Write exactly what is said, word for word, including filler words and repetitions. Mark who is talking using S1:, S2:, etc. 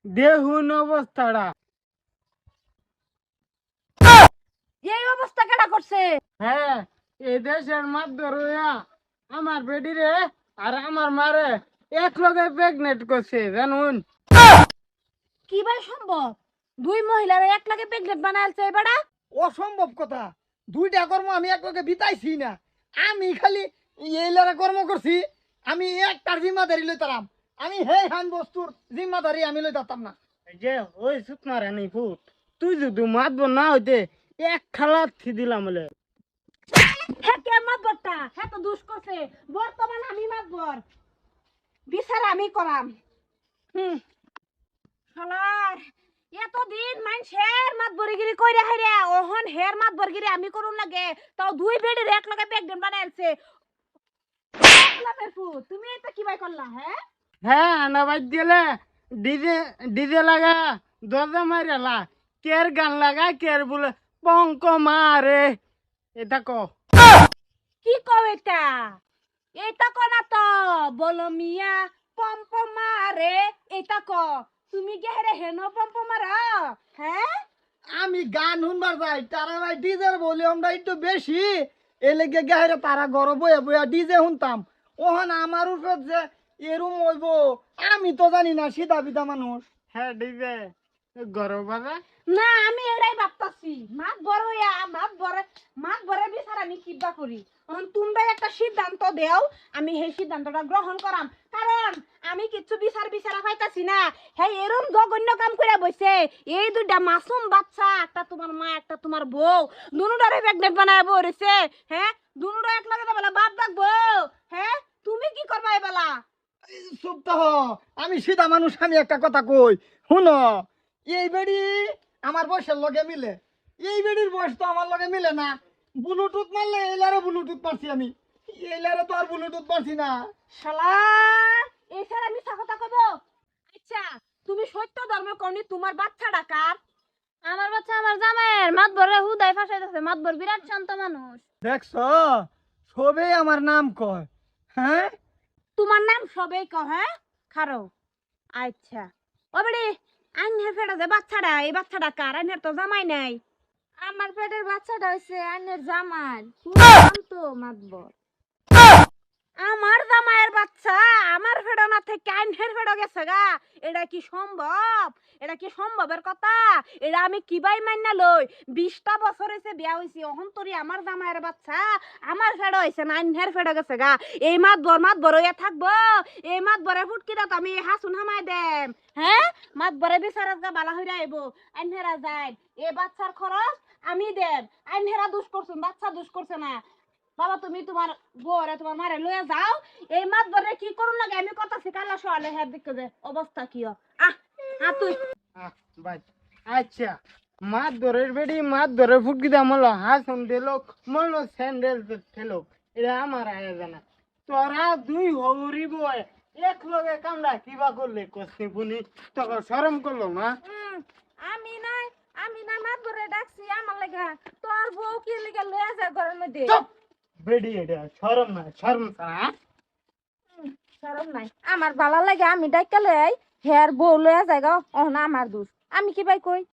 S1: দেখুন অবস্থাটা।
S2: এই অবস্থা কেডা করছে?
S1: হ্যাঁ, এই দেশের মাধ্যমে আমার বেডিরে আর আমার মারে এক লগে প্রেগনেন্ট করছে জানুন।
S2: কি ভাই সম্ভব? দুই মহিলার এক লাগে প্রেগনেন্ট বানাইছে এবারে?
S3: অসম্ভব কথা। দুইটা কর্ম আমি একলগে বিতাইছি না। আমি খালি এইলারা কর্ম করছি। আমি একটার জিম্মাদারি লইতাম। আমি হে হান বস্তুর জিম্মাদারি আমি লইতাম না।
S1: এই যে ওই সুতনা রানী ফুট, তুই যদি মাতব না হইতে এক খালা থি দিলাম বলে।
S2: হ্যাঁ কে মাতবরটা? হ্যাঁ তো দুষ করছে। বর্তমান আমি মাতবর। বিচার আমি করাম। হুম। শালার এতদিন মানুষের মাতবরিগিরি কইরা হাইরে ওহন হের মাতবরগিরি আমি করুন লাগে। তাও দুই বেডের এক লগে প্রেগনেন্ট বানাইছে। তুমি এটা কি ভাই করলা? হ্যাঁ
S1: হ্যাঁ না বাদ দিলে ডিজে ডিজে লাগা দরজা মারিয়ালা, কের গান লাগা কের বলে পঙ্ক মারে। এটা ক
S2: কি কও এটা? এটা ক না তো বলো মিয়া পম্প মারে। এটা ক তুমি কে হেরে হেন পম্প মারা? হ্যাঁ
S3: আমি গান শুনবার যাই, তারা ভাই ডিজের ভলিউমটা একটু বেশি। এলেগে গাহেরে তারা গরম বয়ে বয়ে ডিজে শুনতাম। ওহন আমার উপর যে এরম হইব আমি তো জানি না, সিধা বিধা মানুষ।
S1: হ্যাঁ ডিজে গরম বাজা।
S2: না আমি এটাই ভাবতাছি মাত বড় হইয়া মাত বড় মাত বড় বিচার আমি কিবা করি। এখন তোমরা একটা সিদ্ধান্ত দেও, আমি সেই সিদ্ধান্তটা গ্রহণ করাম। কারণ আমি কিছু বিচার বিচারা পাইতাছি না। হ্যাঁ এরম জঘন্য কাম করে বসে এই দুইটা মাসুম বাচ্চা, একটা তোমার মা একটা তোমার বউ, দুনুটারে প্রেগনেন্ট বানায় বউ রয়েছে। হ্যাঁ দুনুটা এক লাগে বেলা বাপ ডাকবো। হ্যাঁ তুমি কি করবা এবেলা?
S3: চুপ তো হ। আমি সিধা মানুষ, আমি একটা কথা কই শুনো। এই বেড়ি আমার বয়সের লগে মিলে, এই বেড়ির বয়স তো আমার লগে মিলে না। ব্লুটুথ মারলে এইলারে ব্লুটুথ পারছি আমি, এইলারে তো আর ব্লুটুথ পারছি না।
S2: শালা এই স্যার আমি কথা কব। আচ্ছা তুমি সত্য ধর্ম কওনি, তোমার বাচ্চাটা কার?
S4: আমার বাচ্চা আমার জামাইয়ের মাতবরে হুদায় ফাঁসাইতেছে। মাতবর বিরাট শান্ত মানুষ।
S3: দেখছ, সবেই আমার নাম কয়। হ্যাঁ
S2: তোমার নাম সবেই কহ। হ্যাঁ খারো। আচ্ছা ও বেড়ি আইনের ফেটা যে বাচ্চাটা, এই বাচ্চাটা কার? আইনের তো জামাই নাই।
S4: আমার পেটের বাচ্চাটা হইছে আইনের জামাই। খুব শান্ত মাতবর।
S2: আমার জামাইয়ের বাচ্চা আমার ফেডো না থেকে আইনের ফেডো গেছে গা? এটা কি সম্ভব? এটা কি সম্ভবের কথা? এটা আমি কিবাই মাইনা লই? বিশটা বছর হয়েছে বিয়া হয়েছি, অহন তরি আমার জামাইয়ের বাচ্চা আমার ফেডো হয়েছে না আইনের ফেডো গেছে গা? এই মাত বর মাত বর হইয়া থাকবো? এই মাত বরে ফুটকিটা তো আমি হাসুন হামাই দেম। হ্যাঁ মাত বরে বিচারত গা বালা হইরা আইব। আইনহেরা যায় এ বাচ্চার খরচ আমি দেব। আইনহেরা দুষ করছেন, বাচ্চা দুষ করছে না। বাবা তুমি তোমার বউরে তোমার মারে লয়ে যাও। এই মাত বরে কি করুন লাগে আমি কথা শিখালা সকালে হ্যাঁ দেখতে দে অবস্থা কি হয়। আহ আ তুই
S1: আহ, বাদ। আচ্ছা, মাত ধরে বেডি মাত ধরে ফুটকি দাম হলো হাসন দিলো মলো স্যান্ডেল ফেলো। এটা আমার আয়া জানা। তোরা দুই হৌরি বয় এক লগে কামড়া কিবা করলে কষ্ট পুনি তখন শরম করলো না?
S4: উম, আমি নয় আমি না মাতবরে ডাকছি আমার লাগা। তোর বউ কি লিগা লয়ে যায় ঘরের মধ্যে?
S1: চুপ বেডি, এটা শরম না শরম ছাড়া।
S4: শরম নাই আমার ভালো লাগে। আমি ডাইকা লই হের বউ লয়ে যায় গো। অহনা আমার দোষ। আমি কি ভাই কই?